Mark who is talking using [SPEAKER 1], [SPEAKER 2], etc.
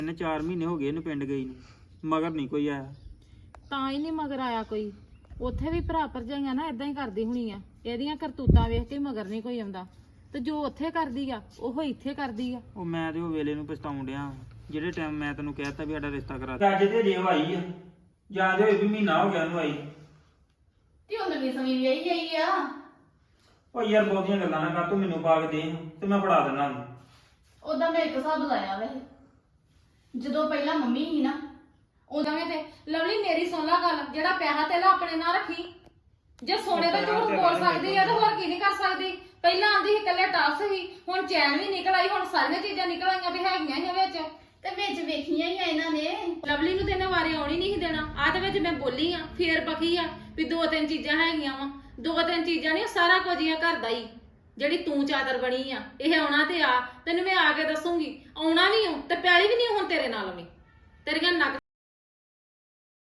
[SPEAKER 1] ਇਹਨੇ 4 ਮਹੀਨੇ ਹੋ ਗਏ ਇਹਨੂੰ ਪਿੰਡ ਗਈ ਨੂੰ, ਮਗਰ ਨਹੀਂ ਕੋਈ ਆਇਆ।
[SPEAKER 2] ਤਾਂ ਹੀ ਨਹੀਂ ਮਗਰ ਆਇਆ ਕੋਈ। ਉੱਥੇ ਵੀ ਭਰਾ ਭਰਜਾਈਆਂ ਨਾ ਇਦਾਂ ਹੀ ਕਰਦੀ ਹੋਣੀ ਆ, ਇਹਦੀਆਂ ਕਰਤੂਤਾਂ ਵੇਖ ਕੇ ਮਗਰ ਨਹੀਂ ਕੋਈ ਆਉਂਦਾ। ਤੇ ਜੋ ਉੱਥੇ ਕਰਦੀ ਆ ਉਹ ਇੱਥੇ ਕਰਦੀ ਆ।
[SPEAKER 1] ਉਹ ਮੈਂ ਤੇ ਉਹ ਵੇਲੇ ਨੂੰ ਪਛਤਾਉਣ ਡਿਆ, ਜਿਹੜੇ ਟਾਈਮ ਮੈਂ ਤੈਨੂੰ ਕਹਿਤਾ ਵੀ ਸਾਡਾ ਰਿਸ਼ਤਾ ਕਰਾ ਦੇ। ਅੱਜ ਤੇ ਜੇ ਆਈ ਆ, ਜਾਂਦੇ ਹੋਏ ਵੀ ਮਹੀਨਾ ਹੋ ਗਿਆ ਉਹਨੂੰ ਆਈ।
[SPEAKER 3] ਤੇ ਉਹ ਨਵੀਂ ਸਮੀ ਵਿਆਹੀ ਗਈ ਆ।
[SPEAKER 1] ਉਹ ਯਾਰ ਬਹੁਤੀਆਂ ਗੱਲਾਂ ਨਾ ਕਰ, ਤੂੰ ਮੈਨੂੰ ਪਾ ਕੇ ਦੇ ਤੇ ਮੈਂ ਫੜਾ ਦੇਣਾ ਉਹਨੂੰ।
[SPEAKER 3] ਉਦਾਂ ਮੈਂ ਇੱਕ ਹਿਸਾਬ ਲਾਇਆ ਵੈਸੇ, ਜਦੋਂ ਪਹਿਲਾਂ ਮੰਮੀ ਸੀ ਨਾ
[SPEAKER 2] ਉਦਾਂ ਵੀ ਤੇ ਲਵਲੀ ਮੇਰੀ ਸੁਣ ਲਾ ਗੱਲ, ਜਿਹੜਾ ਪੈਸਾ ਤੇਲਾ ਆਪਣੇ ਨਾਲ ਰੱਖੀ। ਜੇ ਸੋਨੇ ਦਾ ਝੂਠ ਬੋਲ ਸਕਦੀ ਆ ਤਾਂ ਹੋਰ ਕੀ ਨਹੀਂ ਕਰ ਸਕਦੀ। ਪਹਿਲਾਂ ਆਂਦੀ ਸੀ ਇਕੱਲੇ ਟਾਪਸ ਸੀ, ਹੁਣ ਚੈਨ ਵੀ ਨਿਕਲ ਆਈ, ਹੁਣ ਸਾਰੀਆਂ ਚੀਜ਼ਾਂ ਨਿਕਲ ਆਈਆਂ ਵੀ ਹੈਗੀਆਂ ਹੀ ਆ ਵਿੱਚ।
[SPEAKER 3] ਤੇ ਵਿੱਚ ਵੇਖੀਆਂ ਹੀ ਆ ਇਹਨਾਂ ਨੇ।
[SPEAKER 2] ਲਵਲੀ ਨੂੰ ਤੇ ਇਹਨਾਂ ਵਾਰੇ ਆਉਣੀ ਨਹੀਂ ਸੀ ਦੇਣਾ। ਆਹ ਦੇ ਵਿੱਚ ਮੈਂ ਬੋਲੀ ਆ, ਫੇਰ ਪਕੀ ਆ ਵੀ 2-3 ਚੀਜ਼ਾਂ ਹੈਗੀਆਂ ਵਾ। 2-3 ਚੀਜ਼ਾਂ ਨਹੀਂ, ਸਾਰਾ ਕੁਝ ਹੀ ਆ ਘਰ ਦਾ ਹੀ। ਜਿਹੜੀ ਤੂੰ ਚਾਦਰ ਬਣੀ ਆ, ਇਹ ਆਉਣਾ ਤੇ ਆ, ਤੈਨੂੰ ਮੈਂ ਆ ਕੇ ਦੱਸੂਗੀ। ਆਉਣਾ ਵੀ ਹੂੰ ਤੇ ਪੈਲੀ ਵੀ ਨਹੀਂ ਹੁਣ ਤੇਰੇ ਨਾਲ ਵੀ। ਤੇਰੀਆਂ ਨੱਕ